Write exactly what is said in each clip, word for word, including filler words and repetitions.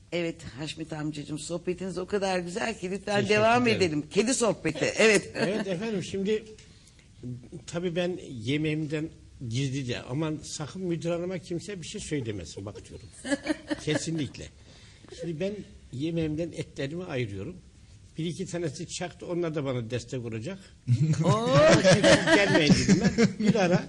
Evet Haşmet amcacığım, sohbetiniz o kadar güzel ki lütfen Teşekkür devam ederim. edelim. Kedi sohbeti. Evet. Evet efendim, şimdi tabii ben yemeğimden gizlice, aman sakın müdür hanıma kimse bir şey söylemesin bak diyorum. Kesinlikle. Şimdi ben yemeğimden etlerimi ayırıyorum. Bir iki tanesi çaktı, onlar da bana destek olacak. Gelmeyin dedim ben. Bir ara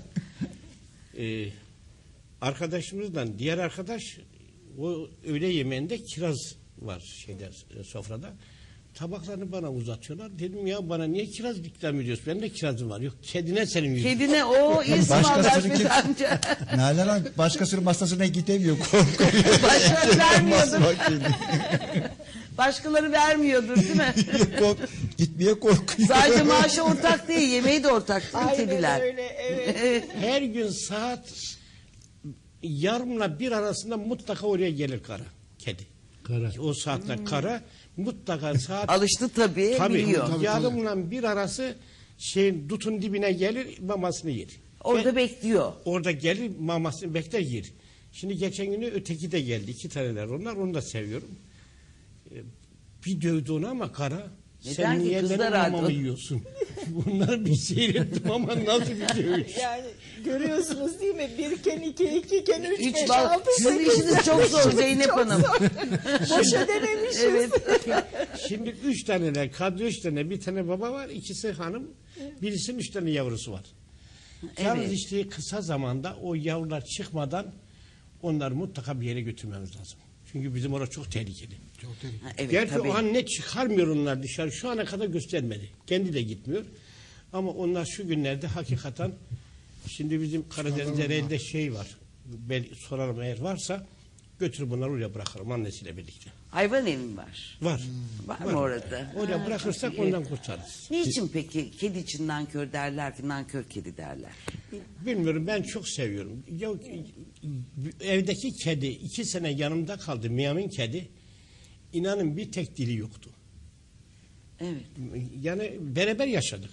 e, arkadaşımızdan, diğer arkadaş, o öğle yemeğinde kiraz var şeyde, sofrada. Tabaklarını bana uzatıyorlar. Dedim ya, bana niye kiraz ikram ediyorsun? Benim de kirazım var. Yok, kedine senin yüzün. Kedine o isim Başkasının Haşmet amca. Nalan Hanım başkasının masasına gidemiyor. Korkuyor. Başkaları vermiyordur. Başkaları vermiyordur değil mi? Kork, gitmeye korkuyor. Sadece maaşı ortak değil, yemeği de ortak değil mi kediler? Öyle, evet. Her gün saat yarımla bir arasında mutlaka oraya gelir kara. Kedi. Kara. O saatte hmm. kara mutlaka saat... Alıştı tabii, tabii biliyor. Tabii, yarımla bir arası şeyin dutun dibine gelir, mamasını yer. Orada Ve bekliyor. Orada gelir, mamasını bekler, yer. Şimdi geçen günü öteki de geldi. İki taneler onlar, onu da seviyorum. Bir dövdü onu ama kara. Neden sen ki? niye Kızlar benim aldı. mamamı yiyorsun? Bunları bir seyrettim ama nasıl bir dövüş. Yani görüyorsunuz değil mi? Bir iken iki, iki iken üç, Üç beş, bal. altı, Sizin sekiz. işiniz çok zor Zeynep Çok Hanım. zor. Boşa denemişiz. Evet. Şimdi üç taneler, kadro üç tane, bir tane baba var, ikisi hanım, birisinin üç tane yavrusu var. Evet. Yalnız işte kısa zamanda o yavrular çıkmadan onları mutlaka bir yere götürmemiz lazım. Çünkü bizim orası çok tehlikeli. Çok tehlikeli. Ha, evet, Gerçi tabii. o an ne çıkarmıyor onlar dışarı, şu ana kadar göstermedi. Kendi de gitmiyor. Ama onlar şu günlerde hakikaten, şimdi bizim Karadeniz'de elde şey var. Ben sorarım, eğer varsa götürüp bunları oraya bırakırım annesiyle birlikte. Hayvan evi mi var? Var. Var mı orada? Oraya bırakırsak çok iyi. ondan kurtarırız. Niçin peki kedi için nankör derler ki, nankör kedi derler? Bilmiyorum, ben çok seviyorum. Ya, evdeki kedi iki sene yanımda kaldı, Miami'nin kedi. İnanın bir tek dili yoktu. Evet. Yani beraber yaşadık.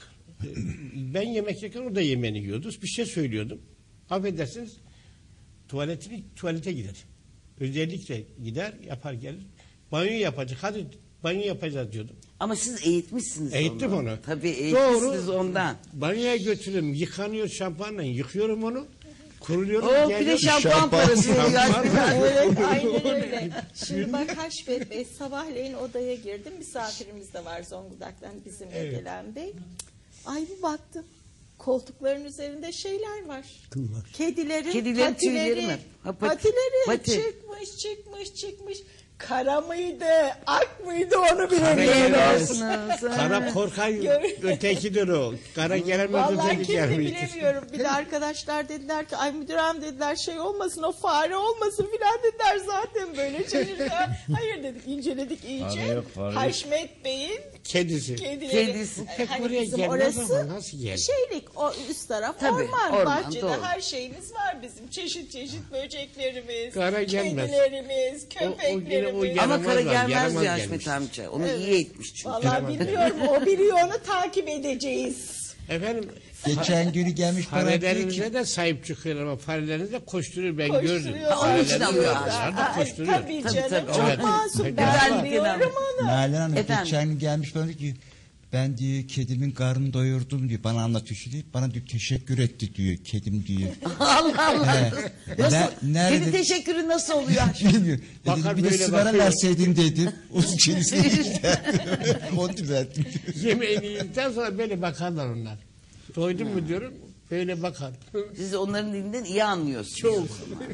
Ben yemek yerken o da yemeğini yiyordu. Bir şey söylüyordum. Affedersiniz, tuvaletini tuvalete gider. Özellikle gider, yapar gelir. Banyo yapacak. Hadi banyo yapacağız diyordum. Ama siz eğitmişsiniz Eğittim onu. onu. Tabii eğitmişsiniz Doğru. ondan. Banyoya götürüyorum, yıkanıyor şampuanla, yıkıyorum onu. Kuruluyorum. O bir de geliyorum. şampuan Şampuan. parası veriyor. Şampuan. Evet, aynen öyle. Şimdi bak Haşmet Bey, sabahleyin odaya girdim. Misafirimiz de var Zonguldak'tan, bizimle Evet. gelen bey. Ay bir baktım. Koltukların üzerinde şeyler var. Kıllar. Kedilerin, Kedilerin patileri, tüyleri mi? Ha, pat- patileri pati. çıkmış, çıkmış, çıkmış. Kara mıydı, ak mıydı onu Kara bilemiyorum. Biliyorsunuz. Kara korkay ötekidir o. Kara gelemez Vallahi öteki kim de gelmiş. bilemiyorum. Bir de arkadaşlar dediler ki ay müdürüm dediler şey olmasın, o fare olmasın filan dediler, zaten böyle çevirdi. Hayır dedik, inceledik iyice. Fare yok, fare yok. Haşmet Bey'in Kedisi. kedileri. Kedisi. Pek Hani buraya bizim gelmez orası ama nasıl geldi? şeylik, o üst taraf Tabii, orman, orman, bahçede doğru. her şeyimiz var bizim. Çeşit çeşit böceklerimiz, Kara gelmez. kedilerimiz, O- o yine o köpeklerimiz. yaramaz Ama kara var, gelmez yaramaz diyor gelmiş. Haşmet amca. Onu Evet. iyi eğitmiş çünkü. Vallahi bilmiyorum, o biliyor, onu takip edeceğiz. Efendim, Geçen günü gelmiş bana diyor ki farelerinize de sahip çıkıyor ama fareleriniz de koşturuyor, ben gördüm. Koşturuyorlar. Ha, onun için Fareleriniz alıyor. dışarıda Aa, koşturuyor. Tabii Tabii, canım, tabii. çok Evet. masum, Peki. ben Güzellikten biliyorum onu. Nalan Hanım Efendim? geçen gün gelmiş bana diyor ki ben diyor kedimin karnını doyurdum diyor. Bana anlatıyor şu diyor. Bana diyor teşekkür etti diyor kedim diyor. Allah Allah. He. Nasıl? Ne- nerede- Kedi teşekkürü nasıl oluyor? Bilmiyor. Bakar Dedim, bir de böyle sigara bakıyor. verseydin dedim. O kedisini işte. Onu düzelttim. Yemeğini yedikten sonra böyle bakarlar onlar. Doydun mu diyorum, böyle bakar. Siz onların dilinden iyi anlıyorsunuz. Çok.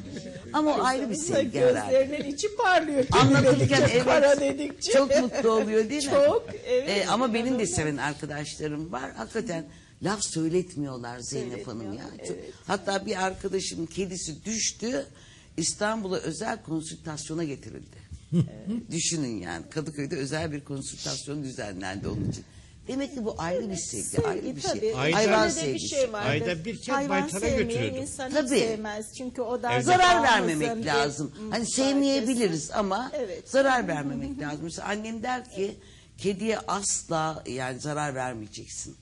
Ama o ayrı bir Baksanıza, sevgi herhalde. gözlerinin içi parlıyor. Kedi Anlatırken dedikçe, kara evet dedikçe. çok mutlu oluyor değil mi? Çok, evet. Ee, ama benim de İnanılmaz. seven arkadaşlarım var. Hakikaten laf söyletmiyorlar Zeynep Hanım ya. Söyletmiyorlar, Çok- evet. Hatta bir arkadaşımın kedisi düştü. İstanbul'a özel konsültasyona getirildi. Düşünün yani Kadıköy'de özel bir konsültasyon düzenlendi onun için. Demek ki bu ayrı bir sevgi, Sevgi, ayrı bir şey. tabii. Ayda- Hayvan Şöyle de bir sevgisi. şey vardır. Ayda bir kez Hayvan baytara sevmeyen götürüyordum. insan hiç Tabii. sevmez. Çünkü o da Zarar almasın vermemek bir, lazım. ım, Hani fark sevmeyebiliriz etsin. ama Evet. zarar vermemek lazım. Mesela annem der ki kediye asla yani zarar vermeyeceksin.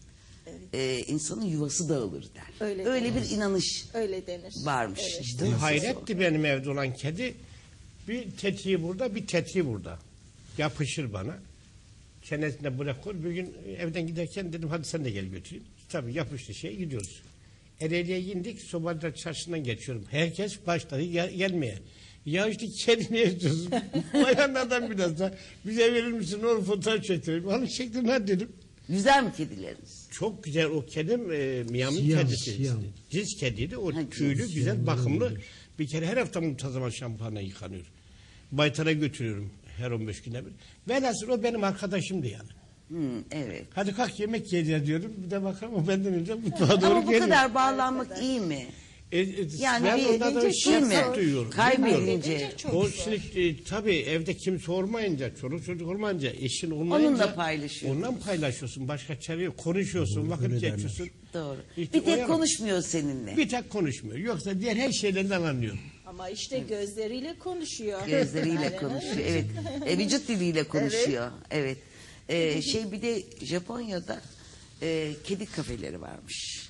Ee, insanın yuvası dağılır der. Öyle Öyle denir. bir inanış Öyle denir. varmış Evet. işte. Bu hayretti benim evde olan kedi. Bir tetiği burada, bir tetiği burada. Yapışır bana. Çenesinde bırakır. Bir gün evden giderken dedim hadi sen de gel götüreyim. Tabii yapıştı şey gidiyoruz. Ereğli'ye indik. Sobadar çarşısından geçiyorum. Herkes başladı gel gelmeye. Ya işte kedi ne istiyorsun? Bayanlardan biraz da bize verir misin? Onu fotoğraf çektireyim. Onu çektim hadi dedim. Güzel mi kedileriniz? Çok güzel o kedim e, Miami Siyah, kedisi. siyah. Cins kediydi. O Ha, tüylü, cins. güzel, bakımlı. Bir kere her hafta muntazama şampuanla yıkanıyor. Baytara götürüyorum her on beş güne bir. Velhasıl o benim arkadaşımdı yani. Hmm, evet. Hadi kalk yemek yiyeceğiz diyorum. Bir de bakalım o benden önce mutfağa doğru Ama bu geliyor. kadar bağlanmak iyi mi? E, e, Yani ben bir ondan da edince şey mi? şefkat duyuyorum. Kaybedince. Bilmiyorum. Çok O zor. şimdi e, tabii evde kimse olmayınca, çoluk çocuk olmayınca, eşin olmayınca Onunla paylaşıyorsun. Onunla paylaşıyorsun. Başka çare yok. Konuşuyorsun, vakit öyle geçiyorsun. Doğru. İşte Bir o tek yana- konuşmuyor seninle. Bir tek konuşmuyor. Yoksa diğer her şeylerden anlıyor. Ama işte gözleriyle konuşuyor. Gözleriyle Yani, konuşuyor. Evet. E, vücut diliyle konuşuyor. Evet. E, şey bir de Japonya'da e, kedi kafeleri varmış.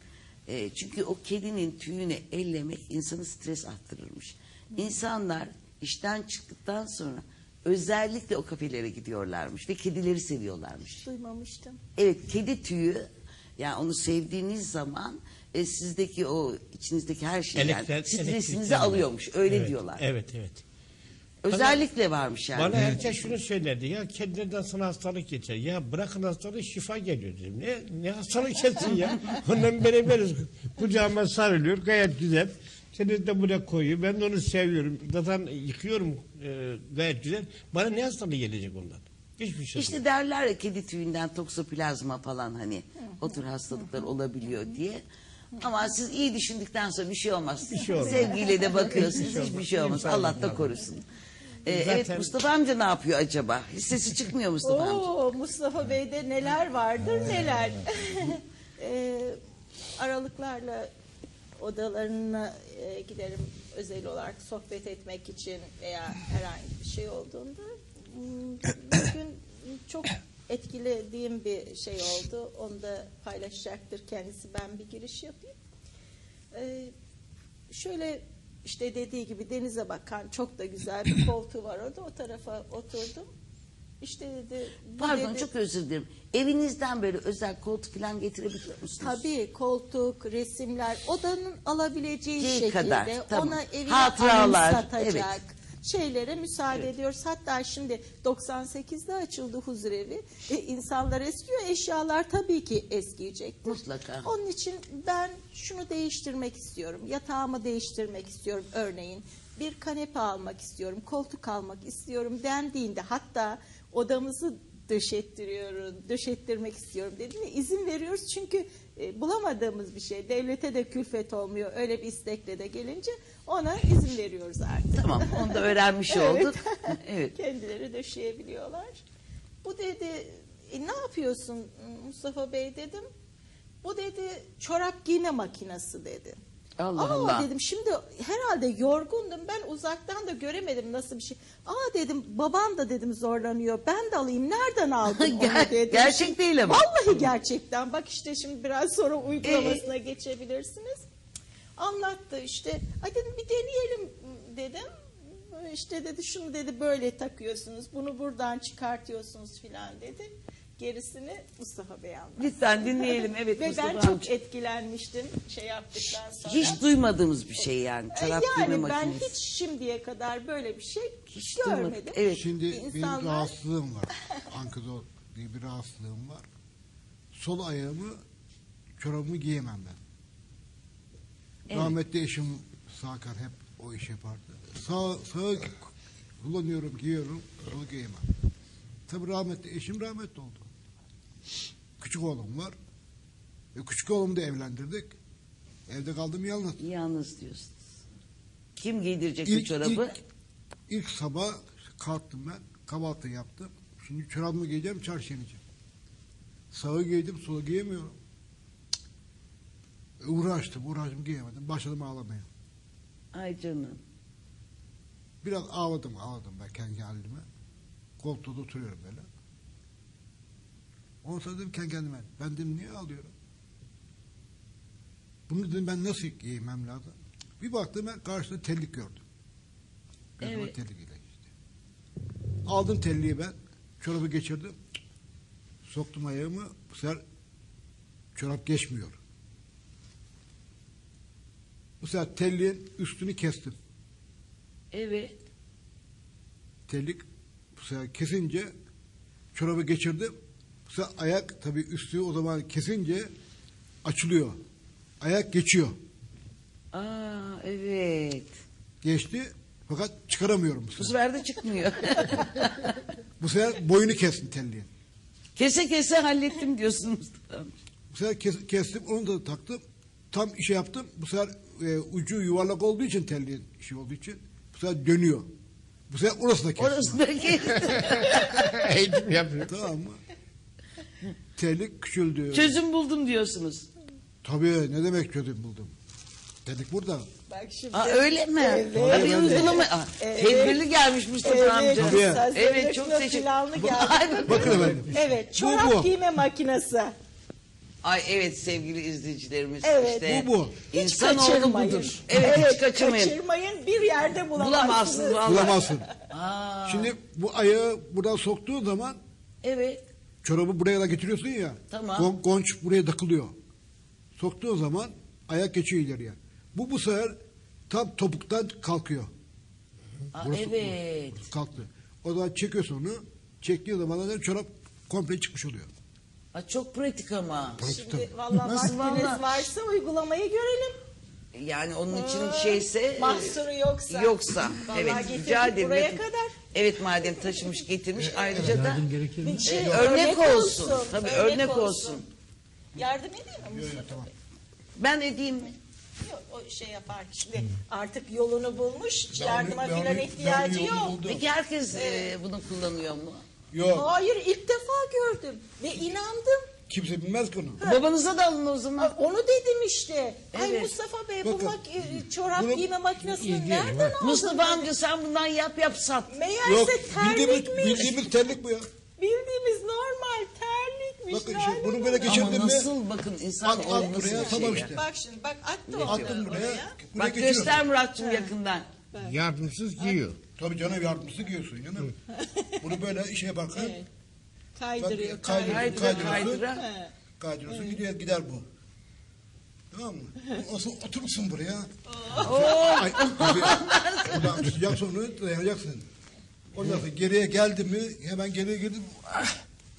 E, çünkü o kedinin tüyünü ellemek insanı stres arttırırmış. İnsanlar işten çıktıktan sonra özellikle o kafelere gidiyorlarmış ve kedileri seviyorlarmış. Duymamıştım. Evet, kedi tüyü, yani onu sevdiğiniz zaman e, sizdeki o içinizdeki her şeyi yani, Elektrik- stresinizi elektrikler mi? alıyormuş. Öyle Evet, diyorlar. Evet, evet. Özellikle varmış yani. Bana herkes şunu söylerdi. Ya kedilerden sana hastalık geçer. Ya bırakın hastalığı şifa geliyor dedim. Ne, ne hastalık geçsin ya. Ondan beraberiz. Kucağıma sarılıyor. Gayet güzel. Seni de buraya koyuyor. Ben de onu seviyorum. Zaten yıkıyorum e, gayet güzel. Bana ne hastalığı gelecek ondan? Hiçbir şey İşte yok. derler ya kedi tüyünden toksoplazma falan hani o tür hastalıklar olabiliyor diye. Ama siz iyi düşündükten sonra bir şey olmaz. Bir şey olmaz. Sevgiyle de bakıyorsunuz Hiçbir şey hiçbir olmaz. şey olmaz. İnşallah. Allah da korusun. Ee, Zaten- Evet, Mustafa amca ne yapıyor acaba? Hiç sesi çıkmıyor Mustafa amca. Oo, Mustafa Bey'de neler vardır neler. Ee, aralıklarla odalarına e, giderim özel olarak sohbet etmek için veya herhangi bir şey olduğunda. Hmm, Bugün çok etkilediğim bir şey oldu. Onu da paylaşacaktır kendisi. Ben bir giriş yapayım. Ee, şöyle işte dediği gibi denize bakan çok da güzel bir koltuğu var orada. O tarafa oturdum. İşte dedi. bu Pardon dedi, çok özür dilerim. Evinizden böyle özel koltuk falan getirebiliyor musunuz? Tabii koltuk, resimler odanın alabileceği Şey şekilde kadar, tamam. ona evine Hatıralar, anımsatacak evet. şeylere müsaade ediyoruz. Hatta şimdi doksan sekizde açıldı huzurevi. E, insanlar eskiyor, eşyalar tabii ki eskiyecektir. Mutlaka. Onun için ben şunu değiştirmek istiyorum. Yatağımı değiştirmek istiyorum örneğin. Bir kanepe almak istiyorum, koltuk almak istiyorum dendiğinde hatta odamızı döşettiriyorum, döşettirmek istiyorum dediğinde izin veriyoruz. Çünkü e, bulamadığımız bir şey. Devlete de külfet olmuyor. Öyle bir istekle de gelince ona izin veriyoruz artık. Tamam onu da öğrenmiş Evet. olduk. Evet. Kendileri döşeyebiliyorlar. Bu dedi, e, ne yapıyorsun Mustafa Bey dedim. Bu dedi çorap giyme makinesi dedi. Allah Aa Allah. dedim şimdi herhalde yorgundum ben uzaktan da göremedim nasıl bir şey. Aa dedim babam da dedim zorlanıyor ben de alayım nereden aldın onu Ger- dedim. gerçek değil ama. Vallahi gerçekten bak işte şimdi biraz sonra Ee? uygulamasına geçebilirsiniz. Anlattı işte hadi dedim bir deneyelim dedim. İşte dedi şunu dedi böyle takıyorsunuz bunu buradan çıkartıyorsunuz filan dedi. Gerisini Mustafa Bey anlattı. Lütfen dinleyelim. Evet Ve Mustafa ben çok amca. etkilenmiştim şey yaptıktan sonra. Hiç duymadığımız bir şey yani. E, Çorap yani giyme ben makinesi. hiç şimdiye kadar böyle bir şey Hiç görmedim. duymadık. Evet. Şimdi İnsanlar- benim rahatsızlığım var. Ankadol diye bir rahatsızlığım var. Sol ayağımı, çorabımı giyemem ben. Evet. Rahmetli eşim Sakar hep o iş yapardı. Sağ, sağı kullanıyorum, giyiyorum, solu giyemem. Tabii rahmetli eşim rahmetli oldu. Küçük oğlum var. E, küçük oğlumu da evlendirdik. Evde kaldım yalnız. Yalnız diyorsunuz. Kim giydirecek bu İlk, çorabı? ilk, ilk sabah kalktım ben. Kahvaltı yaptım. Şimdi çorabımı giyeceğim, çarşıya ineceğim. Sağı giydim, solu giyemiyorum. Cık. Uğraştım, uğraştım giyemedim. Başladım ağlamaya. Ay canım. Biraz ağladım, ağladım ben kendi halime. Koltuğda oturuyorum böyle. Ondan sonra dedim kendi kendime, ben dedim niye ağlıyorum? Bunu dedim ben nasıl giymem lazım? Bir baktım ben karşıda terlik gördüm. Gözüme Evet. terlik ile işte. Aldım terliği ben. Çorabı geçirdim. Soktum ayağımı. Bu sefer çorap geçmiyor. Bu sefer terliğin üstünü kestim. Evet. Terlik bu sefer kesince çorabı geçirdim. Bu sefer ayak tabii üstü o zaman kesince açılıyor. Ayak geçiyor. Aa evet. Geçti fakat çıkaramıyorum bu Bu sefer. sefer de çıkmıyor. Bu sefer boyunu kestim terliğin. Kese kese hallettim diyorsun Mustafa. Bu sefer kes- kestim onu da taktım. Tam işe yaptım. Bu sefer e, ucu yuvarlak olduğu için terliğin işi olduğu için bu sefer dönüyor. Bu sefer orası da kestim. Orası da kesti. Eğitim yapıyor. Tamam mı? Terlik küçüldü. Çözüm buldum diyorsunuz. Tabii ne demek çözüm buldum. Terlik burada. Bak şimdi. Aa öyle mi? Evet. Tabii uygulama. Aa, Tedbirli gelmiş Mustafa Evet, amca. Tabii. hazırlıklı, Evet, çok teşekkür- planlı geldi. Ay, Bakın efendim. Evet, çorap Bu, bu. giyme makinesi. Ay evet sevgili izleyicilerimiz. Evet, işte, bu, bu. Hiç İnsanoğlu kaçırmayın. budur. Evet, hiç kaçırmayın. Kaçırmayın, bir yerde bulamazsınız. Bulamazsınız vallahi. Bulamazsın. Aa, Şimdi bu ayağı buradan soktuğun zaman evet. çorabı buraya da getiriyorsun ya. Tamam. gon- Gonç buraya takılıyor. Soktuğun zaman ayak geçiyor ileriye. Bu bu sefer tam topuktan kalkıyor. Aa, Burası- evet. Kalktı. O zaman çekiyorsun onu. Çektiğin zaman da çorap komple çıkmış oluyor. Aa, çok pratik ama. Şimdi vallahi Nasıl vaktiniz vallahi? varsa uygulamayı görelim. Yani onun için şeyse Mahsuru yoksa. yoksa Vallahi evet getirdik rica ederim. buraya Evet. kadar. Evet madem taşımış getirmiş ayrıca da Bir şey, e, örnek olsun. Tabii örnek olsun. Yardım edeyim mi Mustafa Bey? Ben edeyim mi? Yok, o şey yapar şimdi artık yolunu bulmuş, yardıma ben- filan ben ihtiyacı yolunu yok. buldum. Peki herkes e, bunu kullanıyor mu? Yok. Hayır, ilk defa gördüm ve inandım. Kimse bilmez ki onu. Babanıza da alın o zaman. Ha, Onu dedim işte. Ay Evet. Mustafa Bey bu Bakın, mak- e, çorap bunu- giyme makinesini İlginç, nereden aldın? Mustafa amca sen bundan yap yap sat. Meğerse Yok bildiğimiz, terlikmiş. bildiğimiz terlik bu ya. Bildiğimiz normal terlikmiş. Bakın Nereden işte bunu böyle aldın? geçirdim Ama mi? nasıl bakın insan At, at olması buraya, bir şey tamam ya. işte. Bak şimdi bak attı onu Attım buraya. buraya Bak geçiyorum. göster Murat'cığım yakından. Yardımsız giyiyor. Tabii canım yardımcısı giyiyorsun canım. Bunu böyle işe yaparken Evet. Kaydırıyor, Bak, kaydırıyor, kaydırıyor. Kaydıra kaydırıyorsun. kaydıra. He. kaydırıyorsun gidiyor gider bu. Tamam mı? O, o- oturursun buraya. Ay, tabii, buradan tutacak sonra dayanacaksın. Ondan sonra geriye geldi mi hemen geriye girdim. Ah!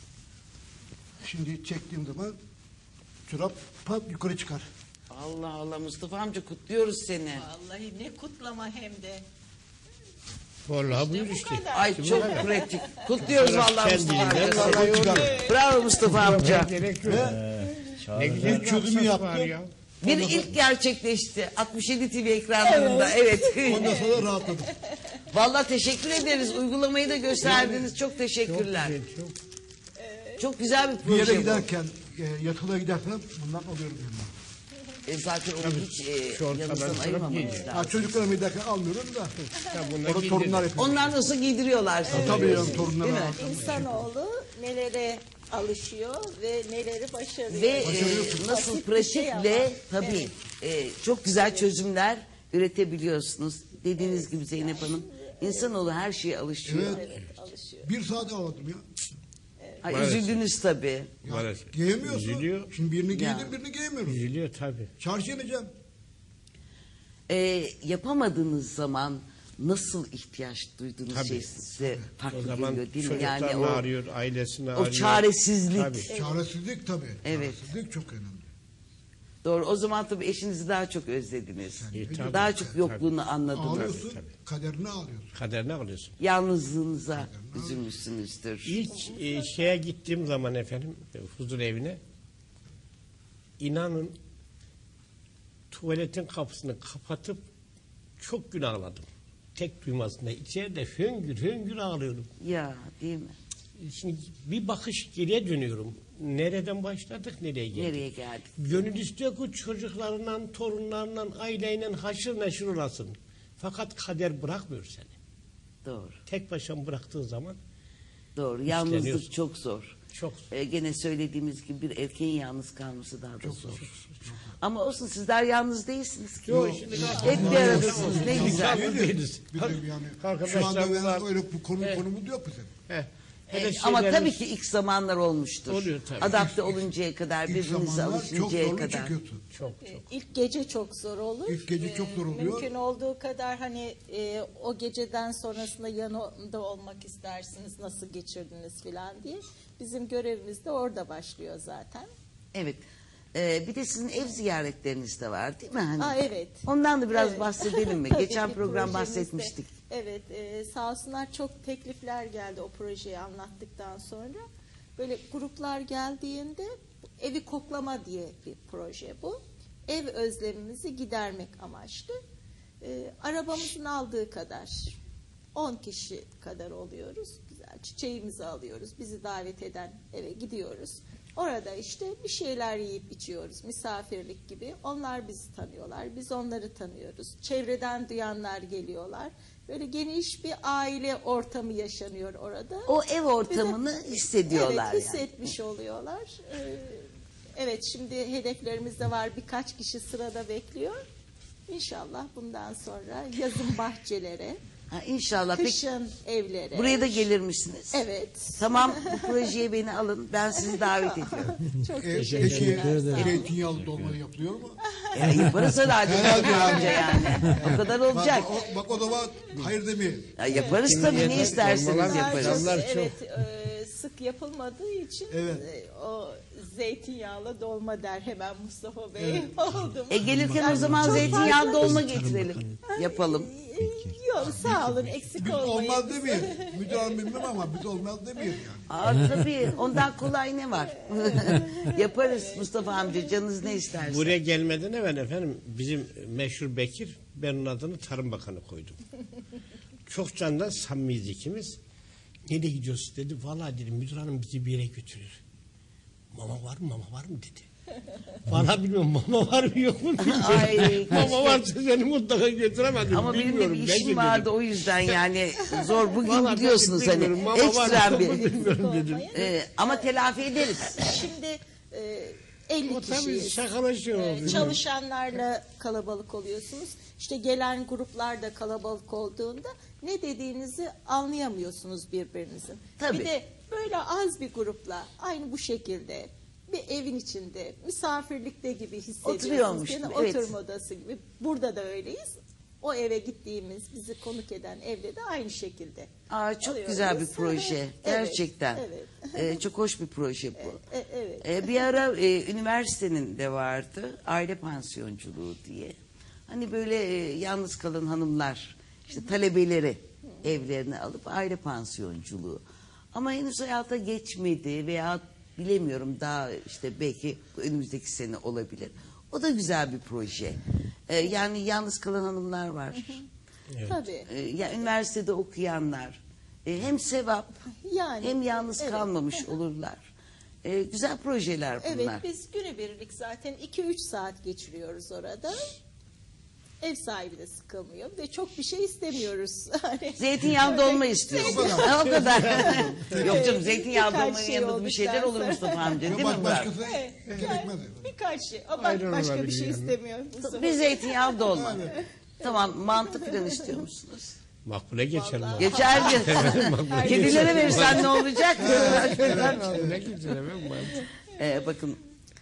Şimdi çektiğim zaman çorap pat yukarı çıkar. Allah Allah Mustafa amca kutluyoruz seni. Vallahi ne kutlama hem de. Vallahi buyur bu işte. kadar. Ay çok pratik. Kutluyoruz vallahi Mustafa Kendiliğinden amca. vallahi çıkar. Bravo Mustafa amca. Gerek yok. Ne güzel Bir çözümü çözümü yaptım. var ya. Bir ilk gerçekleşti. altmış yedi T V ekranlarında. Evet. Ondan sonra rahatladım. Vallahi teşekkür ederiz. Uygulamayı da gösterdiniz. Çok teşekkürler. Güzel, çok. Çok güzel bir Bir proje yere bu. giderken e, yatıla gidersem bundan alıyorum yanıma. E, zaten onu hiç e, Şort yanınızdan falan ayırmamanız giyecek. lazım. Ha, çocuklarımı giderken almıyorum da. Ya bunlar Orada giydirir. torunlar yapıyor. Onlar nasıl giydiriyorlar sizi. Tabii ya torunlar Değil mi? var. İnsanoğlu nelere alışıyor ve neleri başarıyor. Ve e, nasıl Basit bir şey pratikle ama. tabii e, çok güzel çözümler üretebiliyorsunuz. Dediğiniz gibi Zeynep Hanım. İnsanoğlu her şeye alışıyor. Evet. Alışıyor. Bir saat ağladım ya. Ay, Maalesef. üzüldünüz tabii. Maalesef. Giyemiyorsun. Üzülüyor. Şimdi birini Ya. giydim birini giyemiyorum. Üzülüyor tabii. Çarşıya ineceğim. E, yapamadığınız zaman nasıl ihtiyaç duyduğunuz Tabii. şey size O farklı zaman geliyor değil mi? çocuklarını Yani o, arıyor, ailesini o arıyor. çaresizlik. Tabii. Çaresizlik tabii. Evet. Çaresizlik çok önemli. Doğru. O zaman tabii eşinizi daha çok özlediniz. E, tabii. Daha çok yokluğunu anladınız. Ağlıyorsun, tabii. kaderini ağlıyorsun. Kaderine alıyorsun. Yalnızlığınıza üzülmüşsünüzdür. İlk e, şeye gittiğim zaman efendim e, huzur evine inanın tuvaletin kapısını kapatıp çok gün ağladım. Tek duymasında. İçeride höngür höngür ağlıyorum. Ya değil mi? Şimdi bir bakış geriye dönüyorum. Nereden başladık, nereye geldik? Nereye geldik? Gönül istiyor ki çocuklarından, torunlarından, aileyle haşır neşir olasın. Fakat kader bırakmıyor seni. Doğru. Tek başına bıraktığın zaman Doğru. Yalnızlık İşleniyorsun. çok zor. Çok. Ee, gene söylediğimiz gibi bir erkeğin yalnız kalması daha da zor. Ama olsun, sizler yalnız değilsiniz ki. Yok, şimdi Hep bir aradasınız, ne güzel. Yalnız değiliz. Bir de yani şu Arkadaşlarımız anda var. ben öyle bu konu Evet. konumuz yok bizim. Heh. Ee, Hele ama şeylerimiz- tabii ki ilk zamanlar olmuştur. Oluyor tabii. Adapte oluncaya kadar, İlk birbirinize zamanlar çok alışıncaya zorlu kadar. çıkıyorsun. Çok çok. İlk gece çok zor olur. İlk gece çok zor oluyor. Mümkün olduğu kadar hani e, o geceden sonrasında yanında olmak istersiniz, nasıl geçirdiniz filan diye. Bizim görevimiz de orada başlıyor zaten. Evet. Ee, bir de sizin ev ziyaretleriniz de var değil mi? Hani? Aa, evet. Ondan da biraz Evet. bahsedelim mi? Tabii Geçen ki program projemizde- bahsetmiştik. Evet, e, sağ olsunlar çok teklifler geldi o projeyi anlattıktan sonra. Böyle gruplar geldiğinde evi koklama diye bir proje bu. Ev özlemimizi gidermek amaçlı. E, arabamızın aldığı kadar on kişi kadar oluyoruz. Güzel çiçeğimizi alıyoruz. Bizi davet eden eve gidiyoruz. Orada işte bir şeyler yiyip içiyoruz. Misafirlik gibi. Onlar bizi tanıyorlar. Biz onları tanıyoruz. Çevreden duyanlar geliyorlar. Böyle geniş bir aile ortamı yaşanıyor orada. O ev ortamını Bize- hissediyorlar evet, yani. hissetmiş oluyorlar. Ee, evet, şimdi hedeflerimiz de var. Birkaç kişi sırada bekliyor. İnşallah bundan sonra yazın bahçelere, Ha, inşallah. Peki, kışın evlere. buraya da gelir misiniz? Evet. Tamam, bu projeye beni alın. Ben sizi davet ediyorum. Çok E, teşekkür peki ederim. zeytinyağlı dolma yapılıyor mu? Ya, yaparız herhalde. Herhalde yani. Önce yani. O kadar olacak. Bak, o, bak o zaman hayır demeyin. Ya, yaparız tabii, ne yeter, isterseniz dolmalar Bunlar yaparız. çok, Zamlar çok. evet, e, sık yapılmadığı için Evet. e, o zeytinyağlı dolma der hemen Mustafa Bey. Oldu mu? E gelirken o Yani zaman çok zeytinyağlı fazla- dolma getirelim. Yapalım. Yok, sağ olun, eksik Biz olmayın. olmaz demeyin. Müdür hanım bilmem ama biz olmaz demeyin yani. Aa, tabii, ondan kolay ne var? Yaparız Mustafa amca, canınız ne isterse. Buraya gelmeden evvel efendim bizim meşhur Bekir, ben onun adını Tarım Bakanı koydum. Çok candan samimiyiz ikimiz. Nereye gidiyoruz dedi. Vallahi dedim müdür hanım bizi bir yere götürür. Mama var mı mama var mı dedi. Vallahi bilmiyorum mama var mı yok mu bilmiyorum. Ay, Mama keşke. varsa seni mutlaka götüremedim. Ama benim de bilmiyorum. bir belki işim dedim. vardı, o yüzden yani zor. Bugün Vallahi gidiyorsunuz belki hani bilmiyorum, mama var ekstrem mı yok mu bir. bilmiyorum dedim. Ee, ama telafi ederiz. Şimdi e, elli O tabii kişiyiz. şakalaşıyor. Ee, oluyor. çalışanlarla kalabalık oluyorsunuz. İşte gelen gruplar da kalabalık olduğunda ne dediğinizi anlayamıyorsunuz birbirinizin. Tabii. Bir de böyle az bir grupla aynı bu şekilde bir evin içinde misafirlikte gibi hissediyorsunuz. Oturuyormuş Yani gibi, evet. oturma odası gibi. Burada da öyleyiz. O eve gittiğimiz, bizi konuk eden evde de aynı şekilde. Aa, çok alıyoruz. güzel bir proje. Evet, Gerçekten. evet. Ee, çok hoş bir proje bu. E, evet. Ee, bir ara e, üniversitenin de vardı aile pansiyonculuğu diye. Hani böyle e, yalnız kalan hanımlar, işte talebeleri evlerine alıp aile pansiyonculuğu. Ama henüz hayata geçmedi veya bilemiyorum, daha işte belki önümüzdeki sene olabilir. O da güzel bir proje. Ee, yani yalnız kalan hanımlar var. Tabii. Ee, ya üniversitede okuyanlar. Ee, hem sevap Yani, hem yalnız evet. kalmamış olurlar. Ee, güzel projeler bunlar. Evet, biz günübirlik zaten iki üç saat geçiriyoruz orada. Ev sahibi de sıkılmıyor ve çok bir şey istemiyoruz. Hani Zeytinyağlı dolma istiyorsun. o kadar. Yok canım, zeytinyağlı Birkaç dolmanın şey yanında bir şeyler olduktan olur sonra. Mustafa amca, değil mi Bak Murat? başkası gerekmez. birkaç şey. Ama Aynen başka bir olabilir şey yani. istemiyor. Mustafa. Bir zeytinyağlı dolma. Tamam, mantı falan istiyor musunuz? Makbule geçer mi? Geçerli. Kedilere verirsen ne olacak? Makbule geçer efendim. Ee, bakın,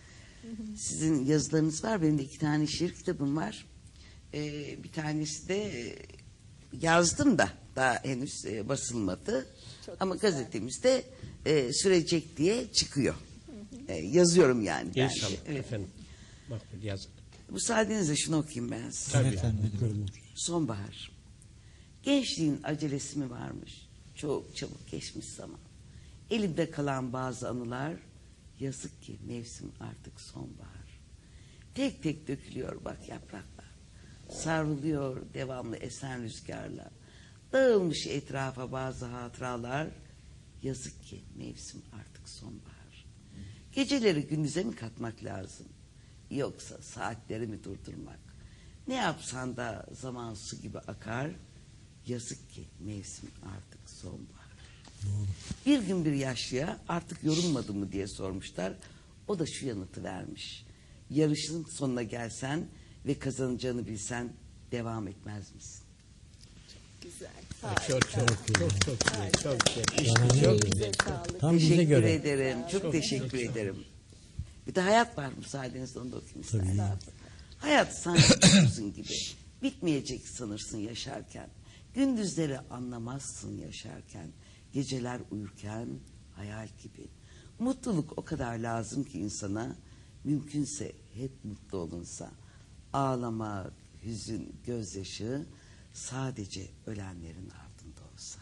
sizin yazılarınız var. Benim de iki tane şiir kitabım var. Ee, bir tanesi de e, yazdım da daha henüz e, basılmadı. Çok Ama güzel. gazetemizde e, sürecek diye çıkıyor. E, yazıyorum yani. ben de. İnşallah Evet. efendim. Makbule yazın. Müsaadenizle şunu okuyayım ben size. Tabii. Sonbahar. Gençliğin acelesi mi varmış? Çok çabuk geçmiş zaman. Elimde kalan bazı anılar, yazık ki mevsim artık sonbahar. Tek tek dökülüyor bak yapraklar. Savruluyor devamlı esen rüzgarla. Dağılmış etrafa bazı hatıralar. Yazık ki mevsim artık sonbahar. Geceleri gündüze mi katmak lazım? Yoksa saatleri mi durdurmak? Ne yapsan da zaman su gibi akar. Yazık ki mevsim artık sonbahar. Bir gün bir yaşlıya artık yorulmadı mı diye sormuşlar. O da şu yanıtı vermiş. Yarışın sonuna gelsen ve kazanacağını bilsen devam etmez misin? Güzel. Çok çok çok çok güzel. Çok güzel. İşte çok Elinize güzel. sağlık. Tam bize Teşekkür göre. ederim. Çok teşekkür ederim. Bir de hayat var müsaadenizle, onu da okuyayım istersen. Hayat sanki uzun gibi. Bitmeyecek sanırsın yaşarken. Gündüzleri anlamazsın yaşarken. Geceler uyurken hayal gibi. Mutluluk o kadar lazım ki insana. Mümkünse hep mutlu olunsa. Ağlamak, hüzün, gözyaşı sadece ölenlerin ardında olsa.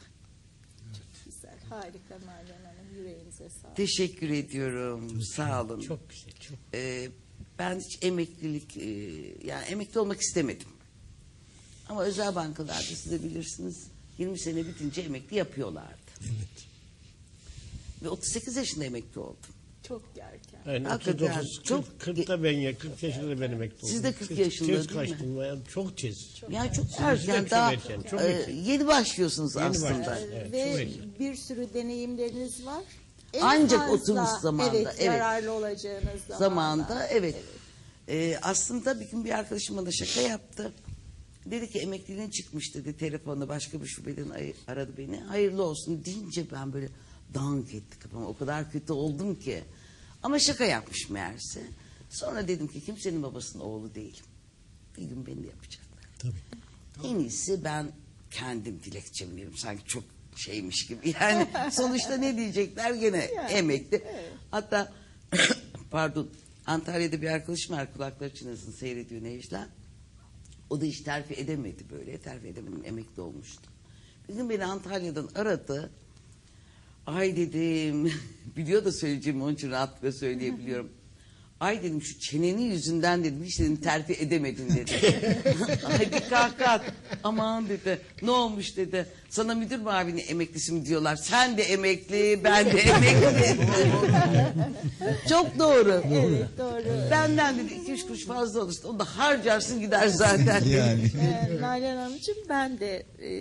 Güzel. Harika Nalan Hanım. Yüreğinize sağlık. Teşekkür ediyorum. Sağ olun. Çok güzel. Çok. Ee, ben hiç emeklilik, e, yani emekli olmak istemedim. Ama özel bankalarda siz de bilirsiniz yirmi sene bitince emekli yapıyorlardı. Evet. Ve otuz sekiz yaşında emekli oldum. Çok erken. Yani Hakikaten otuz dokuz, çok- kırk, kırkta ben ya, kırk yaşında ben emekli oldum. Siz de kırk Tez- yaşında tez değil mi? kaçtım yani çok tez. Yani çok Sizinki de erken, çok daha erken, çok e, erken. yeni başlıyorsunuz Yeni aslında. başlıyorsunuz. Evet, Ve çok erken. bir sürü deneyimleriniz var. En Ancak fazla, oturmuş zamanda, Evet, evet. yararlı olacağınız zamanda. Zamanında evet. Ee, aslında bir gün bir arkadaşım bana şaka yaptı. Dedi ki emekliliğin çıkmış dedi, telefonda başka bir şubeden ay- aradı beni. Hayırlı olsun deyince ben böyle dank etti kafama. O kadar kötü oldum ki. Ama şaka yapmış meğerse. Sonra dedim ki kimsenin babasının oğlu değilim. Bir gün beni de yapacaklar. Tabii. En iyisi ben kendim dilekçemi veririm. Sanki çok şeymiş gibi. Yani sonuçta ne diyecekler gene Yani, emekli. evet. Hatta pardon Antalya'da bir arkadaşım var, kulakları çınlasın, seyrediyor Necla. O da hiç terfi edemedi böyle. Terfi edemedim, emekli olmuştu. Bir gün beni Antalya'dan aradı. Ay dedim, biliyor da söyleyeceğimi onun için rahatlıkla söyleyebiliyorum. Ay dedim şu çenenin yüzünden dedim hiç dedim terfi edemedin dedi. Ay bir kahkaha at. Aman dedi, ne olmuş dedi. Sana müdür mavini emeklisi mi diyorlar. Sen de emekli, ben de emekli. Çok doğru. Evet doğru. Benden dedi iki üç kuruş fazla olursa onu da harcarsın gider zaten. Yani. Ee, Nalan Hanımcığım ben de e,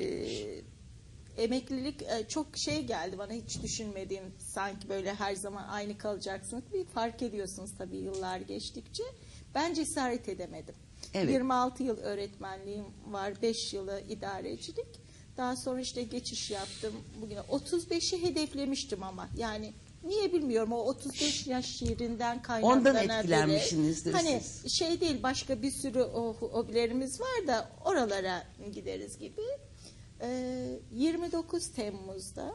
emeklilik e, çok şey geldi bana, hiç düşünmediğim, sanki böyle her zaman aynı kalacaksınız. Bir fark ediyorsunuz tabii yıllar geçtikçe. Ben cesaret edemedim. Evet. yirmi altı yıl öğretmenliğim var, beş yılı idarecilik. Daha sonra işte geçiş yaptım. Bugüne otuz beşi hedeflemiştim ama yani niye bilmiyorum, o otuz beş yaş yerinden kaynaklanabilir. Ondan etkilenmişsinizdir Hani siz. şey değil, başka bir sürü o hobilerimiz var da oralara gideriz gibi. Ee, yirmi dokuz Temmuz'da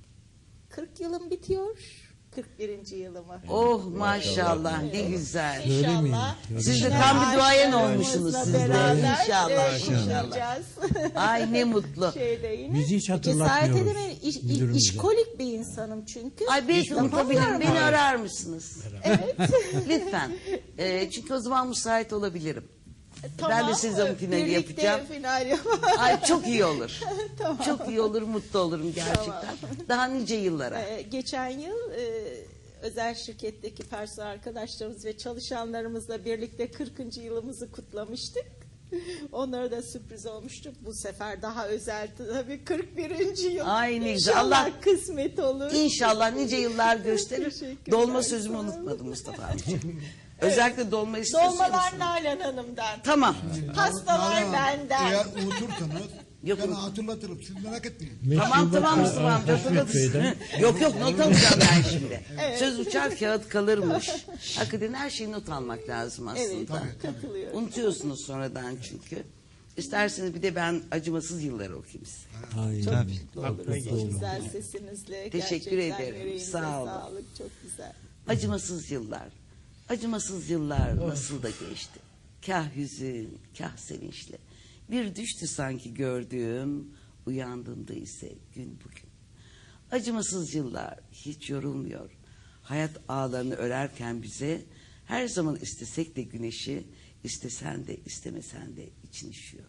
kırk yılım bitiyor. kırk birinci yılımı. Oh maşallah ne güzel. İnşallah. Siz de yine tam bir duayen aşklarımızla olmuşsunuz siz de. beraber, İnşallah, e, inşallah. kutlayacağız. Ay ne mutlu. Şeyde yine. Bizi hiç Cesaret hatırlatmıyoruz edemedim. İş, müdürümüze. işkolik bir insanım çünkü. Ay belki Yapamıyorum unutabilirim. Beni ama. arar mısınız? Evet. Lütfen. Ee, çünkü o zaman müsait olabilirim. Ben de sizin finali birlikte yapacağım. final yapalım. Ay çok iyi olur. Tamam. Çok iyi olur, mutlu olurum gerçekten. Daha nice yıllara. Ee, geçen yıl e, özel şirketteki personel arkadaşlarımız ve çalışanlarımızla birlikte kırkıncı yılımızı kutlamıştık. Onlara da sürpriz olmuştu. Bu sefer daha özel tabii kırk birinci yıl. Ay ne güzel. İnşallah Allah- kısmet olur. İnşallah nice yıllar gösterir. Teşekkürler, Dolma sağ sözümü olun. unutmadım Mustafa amcığım. Özellikle dolma istiyorsunuz. Dolmalar Nalan Hanım'dan. Tamam. Pastalar Nalan, benden. Eğer unutursanız Yok, ben unut- hatırlatırım. Siz merak etmeyin. Tamam tamam Mustafa amca. Köy'den. Yok yok not alacağım ben şimdi. Söz uçar kağıt kalırmış. Hakikaten her şeyi not almak lazım aslında. Evet, katılıyorum. Unutuyorsunuz sonradan çünkü. İsterseniz bir de ben acımasız yılları okuyayım size. Ay, Tabii. Mutlu oluruz o güzel sesinizle. Teşekkür Gerçekten ederim, yüreğinize sağ olun. Sağlık, çok güzel. Acımasız yıllar. Acımasız yıllar nasıl da geçti. Kah hüzün, kah sevinçle. Bir düştü sanki gördüğüm, uyandığımda ise gün bugün. Acımasız yıllar hiç yorulmuyor. Hayat ağlarını örerken bize her zaman istesek de güneşi, istesen de istemesen de için üşüyor.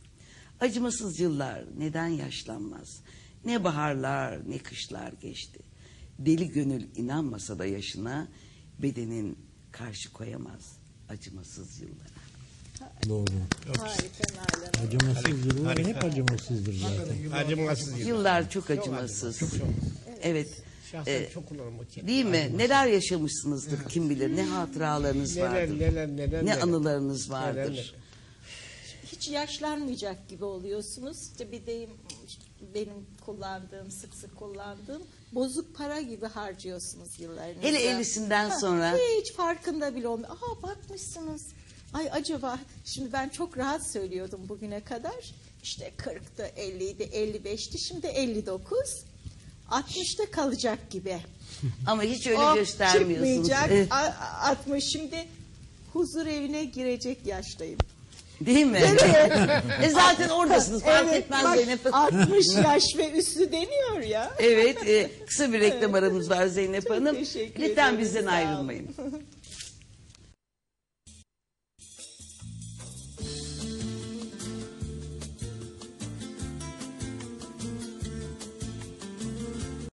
Acımasız yıllar neden yaşlanmaz? Ne baharlar ne kışlar geçti. Deli gönül inanmasa da yaşına, bedenin karşı koyamaz acımasız yıllara. Doğru. Harika Nalan Hanım. Acımasız yıllar hep acımasızdır zaten. Acımasız yıllar. Yıllar çok acımasız. Evet. Şahsen Ee, çok kullanırım o kelimeyi. Değil mi? Ayrılmaz. Neler yaşamışsınızdır kim bilir. Ne hatıralarınız Neler, vardır. neler, neler, ne neler. anılarınız vardır. Neler, neler. Hiç yaşlanmayacak gibi oluyorsunuz. İşte bir deyim benim kullandığım, sık sık kullandığım bozuk para gibi harcıyorsunuz yıllarınızda. Hele ellisinden sonra. Hiç farkında bile olmuyor. Aa bakmışsınız. Ay acaba şimdi ben çok rahat söylüyordum bugüne kadar. İşte kırktı, elliydi, elli beşti, şimdi elli dokuz. altmışta kalacak gibi. Ama hiç öyle O göstermiyorsunuz. çıkmayacak. Evet. A- altmış şimdi huzur evine girecek yaştayım. Değil mi? e zaten oradasınız. Fark Evet, etmez bak, Zeynep Hanım. altmış yaş ve üstü deniyor ya. Evet. e, kısa bir reklam aramız var Zeynep Çok Hanım. teşekkür Lütfen ederim, bizden sağ olun. ayrılmayın.